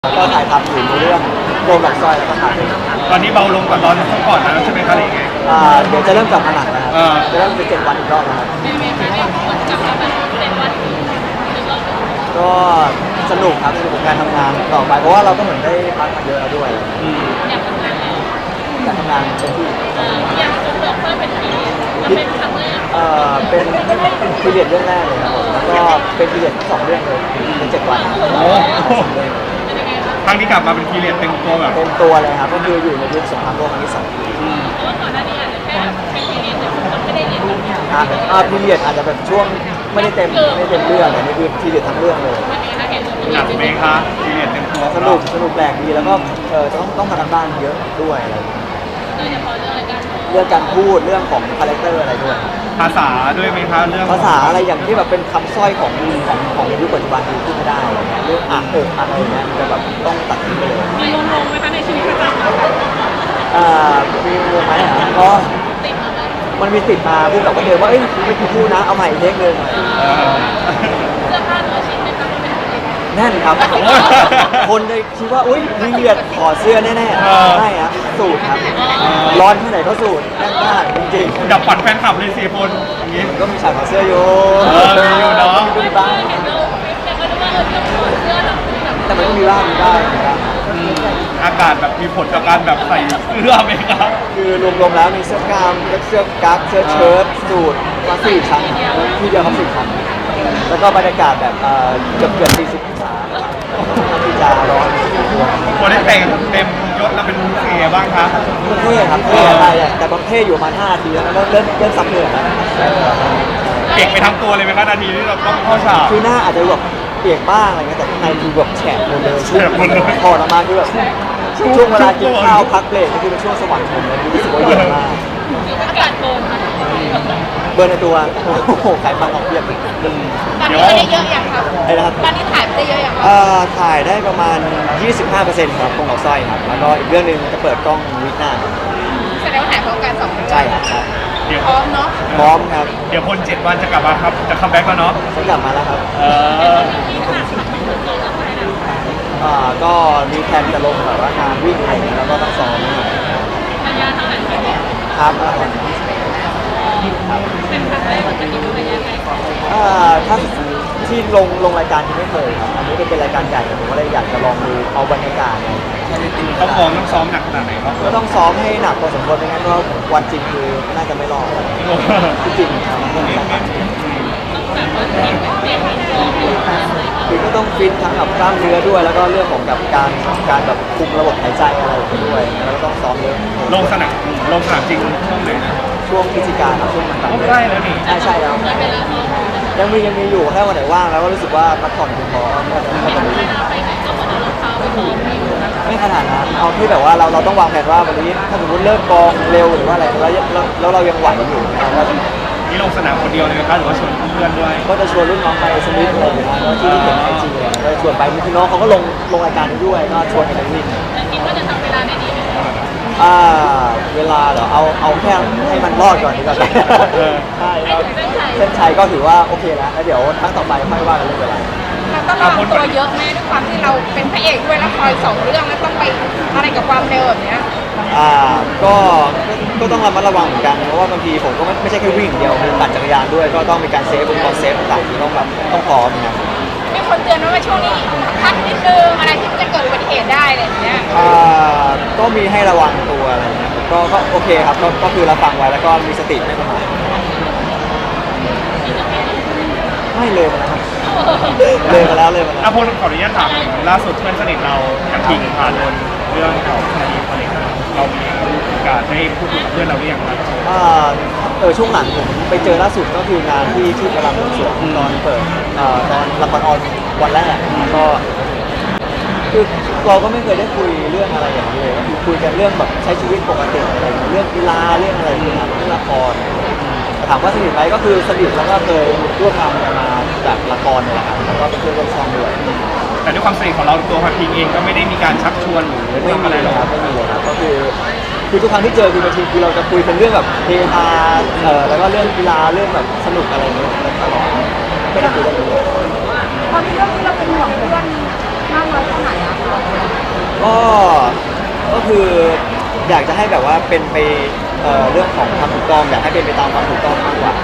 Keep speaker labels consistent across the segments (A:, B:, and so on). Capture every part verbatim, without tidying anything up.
A: ก็ถ่ายทำอยู่ในเรื่องโดมหลอกสร้อยแล้วก็ถ่าย
B: ตอนนี้เบาลงกว่าตอนก่อนแล้วใช่ไหมครับหรือไง
A: อ่าเดี๋ยวจะเริ่มกลับมาหนักแล้วครับ
B: เออ
A: จะเริ่มจะเจ็ดวันอีกรอบนะครับก็สนุกครับสนุกกับการทำงานต่อไปเพราะว่าเราก็เหมือนได้พักมาเยอะแล้วด้วย
B: อืม
A: อยากทำงานเต็มที่
C: อยากจะเลือกเพิ่มเป็นปีจะเป็นครั้งแรก
A: เอ่อเป็นพีเรียดเรื่องแรกเลยครับผมแล้วก็เป็นพีเรียดสองเรื่องเลยเป็นเจ็ดวัน
B: โอ้ครั้งที่กลับมาเป็นพีเรียดเต็มตัวแบบ
A: เต็มตัวเลยครับก็คืออยู่ในยุคสงครามโลกครั้งที่สอง
B: อืม
C: เพราะว่าก่อนหน้านี้อาจจะแค่เป็นปีนี้แต่คนไม่ได้เรียนรู้
A: อ่าอ่าพีเรียดอาจจะแบบช่วงไม่ได้เต็มไม่ได้เต็มเรื่องแต่นี่คือพีเรียดทั้งเรื่องเลย
C: วันนี้ถ้าเห็น
B: หนักไหมคะพีเรียดเต็มตัว
A: สนุกสนุกแปลกดีแล้วก็เออต้องต้องทำกันบ้านเยอะด้วยอะไรอย่างเงี้ย
C: โดยเฉพาะเรื่องอะไรกัน
A: เรื่องการพูดเรื่องของคาแรคเตอร์อะไรด้วย
B: ภาษาด้วยไหมคะเรื่อง
A: ภาษาอะไรอย่างที่แบบเป็นคำสร้อยของของของยุคปัจจุบันที่พูดไม่ได้อะไรเงี้ยเรื่องอ่ะเอออะไรเงี้ยมันจะแบบต้องตัดทิ้งไปเลย
C: มีงงๆไหมคะในชีวิตประจำวัน
A: อ่ามีงงไหมอ่ะก็
C: ติดมาเลย
A: มันมีติดมาพูดกับคนเดิมว่าเอ้ยไม่ถูกพูดนะเอาใหม่อีกเทคเลย
B: เออ
C: เสื้อผ้าตัวชิ้นเป็นแบบเป็น
A: แน่นครับ คนเลยคิดว่าอุ้ยมีเลือดขอเสื้อแน่ๆไม่ครับสูตรครับร้อนที่ไหนก็สูตรแน่นมากจริงๆ
B: ดับฝันแฟนคลับเลยสี่คนอย่างนี้
A: ก็มีฉากถอดเสื้ออยู่
B: เออมีอยู่เนอะ
A: มีบ้าง
C: เห็นเราแต่ก็รู้ว่าเออเรื่องของเสื้อแบบแบบ
A: แต่มันก็มีบ้างมีบ้างมีบ้าง
B: อืมอากาศแบบมีผลต่อการแบบใส่เสื้อไหมครับ
A: คือรวมๆแล้วมีเสื้อกล้ามเสื้อกั๊กเสื้อเชิ้ตสูทมาสี่ชั้นที่เดียวครับสี่ชั้นแล้วก็บรรยากาศแบบเอ่อเกือบเกือบสี่สิบองศาที่จะร้อน
B: คนได้แต่งเต็มยศแล้วเป็นเสียบ้างครับ
A: เท่ครับเท่อะไรอะแต่บางเท่อยู่ประมาณห้านาทีแล้วนะเริ่มเริ่มเริ่มซับเหนื่อยแล้ว
B: เก่งไปทั้งตัวเลยไหมครับนาทีที่เราต้องเข้าฉาก
A: คือหน้าอาจจะแบบเปียกบ้างอะไรเงี้ยแต่ข้างในคือแบบแฉะหมดเลย
B: แฉะหมดเลย
A: ถอดออกมาคือแบบช่วงเวลากินข้าวพักเบรกนี่คือเป็นช่วงสวรรค์ผมเลยรู้สึกว่าเย็นมาก
C: อากาศเกิน
A: เบอร์ในตัวโอ้โหไขมันออกเพียบ
C: ตอนนี้ได้เยอะอย่างครับ
A: ไอ้นะครับ
C: ตอนนี้ถ่ายไปได้เยอะอย่าง
A: เอ่อถ่ายได้ประมาณ ยี่สิบห้าเปอร์เซ็นต์ ครับคงหลอกสร้อยครับแล้วก็อีกเรื่องหนึ่งจะเปิดกล้องวิกหน้าครับ
C: แสดงว่าถ่ายพร้อมกันสองเรื่อง
A: ใช่ครับใช่
B: เดี๋ยว
C: พร้อมเนาะ
A: พร้อมครับ
B: เดี๋ยวพลเจ็ดวันจะกลับมาครับ จะคัมแบ็กแล้วเนาะ
A: ฉันกลับมาแล้วครับ
B: เออ
C: ที่ขนาดขับมันเกินแล้วไม่ได้
A: อ่าก็มีแพลนจะลงแบบว่างานวิ่งอะไรอย่างเงี้ยแล้วก็ต้องซ้อมนะครับ
C: ระยะเท่าไหร่ที่เนี่ย
A: ครับมาราธอน
C: เป็นครั้งแรกเหมือนกันที่ดูระยะไกลก่อน
A: อ่าถ้าที่ลงลงรายการที่ไม่เคยครับอันนี้เป็นรายการใหญ่ผมก็เลยอยากจะลองดูเอาบรรยากาศเนี่ย
B: ต้องพร้อมต้องซ้อมหนักขนาดไหนครับ
A: ก็ต้องซ้อมให้หนักพอสมควรไม่งั้นก็วันจริงคือน่าจะไม่รอดจริงๆครับมันต้องมีการ
C: ต้องแบบว่าเตรียมเตรียมพร้อมอยู่อะไร
A: คือก็ต้องฟิตทั้งกับกล้ามเนื้อด้วย แล้วก็เรื่องของกับการการแบบคุมระบบหายใจอะไรไปด้วยแล้วก็ต้องซ้อมเยอะ
B: ลงสนามลงสนามจริงช่วงไหนนะ
A: ช่วงพฤศจิกาครับช่วงมันต่าง
B: ก็ใกล้แล้วนี่
A: ใช่ใช่แล้ว
C: เวลาซ้อม
A: ยังมียังมีอยู่แค่วันไหนว่างแล้วก็รู้สึกว่าพักผ่อนเพียงพอก็จะก็จะมี
C: เวลาไปไหนก็เหมือนเอารองเท้าไปซ้อมอยู่นะ
A: ไม่ขนาดนั้นเอาที่แบบว่าเราเราต้องวางแผนว่าวันนี้ถ้าสมมติเลิกกองเร็วหรือว่าอะไรแล้วแล้วแล้วเรายังไหวอยู่เราก็
B: นี่ลงสนามคนเดียวเลยไหมครับหรือว่าชวนเพื่อนด้วย
A: ก็จะชวนรุ่นน้องไปสมิธอะไรอย่างเงี้ยแล้วที่เห็นไอจีก็ชวนไปมีพี่น้องเขาก็ลงลงรายการนี้ด้วยก็ชวนกันไปวิ่ง
C: แต่คิดว่าจะทำเวลาในนี้ไหม
A: อ่าเวลาเหรอเอาเอาแค่ให้มันรอดก่อนดีกว่าใช่ครับเส้นชัยก็ถือว่าโอเคแล้วแล้วเดี๋ยวครั้งต่อไปค่อยว่ากันเรื่องเวลา
C: เราต้องระวังตัวเยอะแม่ด้วยความที่เราเป็นพระเอกด้วยแล้วคอยสองเรื่องแล้วต้องไปอะไรกับความเร็วแบบเนี้ย
A: อ่าก็ก็ต้องระมัดระวังเหมือนกันเพราะว่าบางทีผมก็ไม่ไม่ใช่แค่วิ่งอย่างเดียวคือปั่นจักรยานด้วยก็ต้องมีการเซฟอุปกรณ์เซฟต่างๆที่ต้องแบบต้องพร้อมนะครับ
C: มีคนเตือนว่าช่วงนี้พักนิดนึงอะไรที่จะเกิดอุบัติเหตุได้อะไรอย่างเงี้ย
A: อ่าก็มีให้ระวังตัวอะไรเงี้ยก็ก็โอเคครับก็ก็คือเราฟังไว้แล้วก็มีสติไม่ประมาทไม่เลยมาแล้วครับเลยมาแล้วเลยมาแล้ว
B: อาพลขออนุญาตถามล่าสุดเพื่อนสนิทเรากับทิงพาโดนเรื่องเก่าคดีอะไรกันเรามีโอกาสได้พูดกับเพื่อนเราหรือยังครับ
A: อ่าเออช่วงหลังผมไปเจอล่าสุดก็คืองานที่ที่กำลังสวงตอนเปิดเอ่อตอนละครออนวันแรกก็คือเราก็ไม่เคยได้คุยเรื่องอะไรอย่างนี้เลยก็คือคุยกันเรื่องแบบใช้ชีวิตปกติอะไรอย่างเงี้ยเรื่องกีฬาเรื่องอะไรอย่างเงี้ยเรื่องละครแต่ถามว่าสนิทไหมก็คือสนิทแล้วก็เคยร่วมงานกันมาจากละครเนี่ยแหละครับแล้วก็เป็นเพื่อนร่วมช่องด้วย
B: แต่ด้วยความสนิทของเราตัวพันทิงเองก็ไม่ได้มีการชักชวนหรือ
A: ไม่
B: ทำ
A: มี
B: อะไร
A: เล
B: หร
A: ย
B: อก
A: ครับไม่มีเลยครับก็คือคือทุกครั้งที่เจอคือบางทีคือเราจะคุยเป็นเรื่องแบบเฮฮาเออแล้วก็เรื่องกีฬาเรื่องแบบสนุกอะไรอย่างเงี้ยตลอดไม่ได้คุยเรื่องนี้เลย
C: ตอนที่เรื่องนี้เราเป็นห่วงเพื่อนมากน้อยแค่ไหนอะคะ
A: ก็ก็คืออยากจะให้แบบว่าเป็นไปเอ่อเรื่องของความถูกต้องอยากให้เป็นไปตามความถูกต้องมากกว่า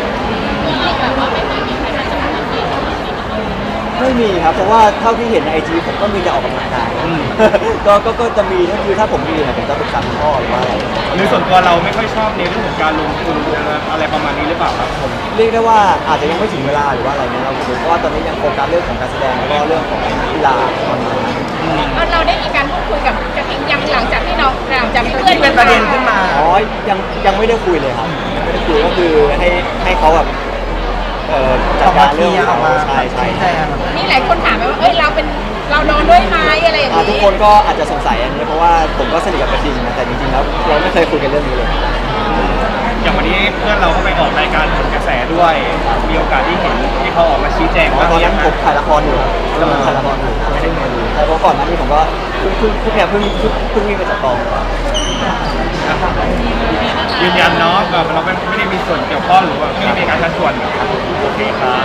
A: ไม่มีครับเพราะว่าเท่าที่เห็นในไอจีผมก็มีแต่ออกกำลังกาย
B: อืม
A: ก็ก็ก็จะมีก็คือถ้าผมมีเนี่ยผมจะปรึกษาคุณพ่อหรือว่าอะไร
B: หรือส่วนตัวเราไม่ค่อยชอบในเรื่องของการลงทุนอะไรประมาณนี้หรือเปล่าครับผม
A: เรียกได้ว่าอาจจะยังไม่ถึงเวลาหรือว่าอะไรเนี่ยเราผมเพราะว่าตอนนี้ยังโฟกัสเรื่องของการแสดงแล้วก็เรื่องของกีฬาตอนนี้
C: เราได้มีการพูดคุยกับกระทิงยังหลังจากที่น้องหลังจากที่เพื่อน
D: ที่เป็นประเด็นขึ้นมา
A: อ๋อยังยังไม่ได้คุยเลยครับยังไม่ได้คุยก็คือให้ให้เขาแบบเอ่อจัดการเรื่องของเขาใช่ใช่
D: ใช่ครับ
C: นี่หลายคนถามไปว่าเอ้ยเราเป็นเราโดนด้วยไหมอะไรอย่าง
A: อ่า
C: นี้
A: ทุกคนก็อาจจะสงสัยอันนี้เพราะว่าผมก็สนิทกับกระทิงนะแต่จริงๆแล้วเราไม่เคยคุยกันเรื่องนี้เลย
B: อย่างวันนี้เพื่อนเราก็ไปออกรายการผลกระแสด้วย มีโอกาสที่เห็นที่เขาออกมาชี้แจง
A: อ๋อ
B: ว่า
A: ตอนนั้น
B: เย
A: ผมถ่ายละครอยู่ครับกำลังถ่ายละครอยู่ไม่ได้มาดูแต่เพราะก่อนหน้านี้ผมก็เพิ่งเพิ่งเพิ่งเนี่ยเพิ่งเพิ่งเพิ่งวิ่งมาจากกอง
B: ยืนยันเนาะแบบเราไม่ได้มีส่วนเกี่ยวข้องหรือว่าไม่ได้มีการชักชวนโอเคครับ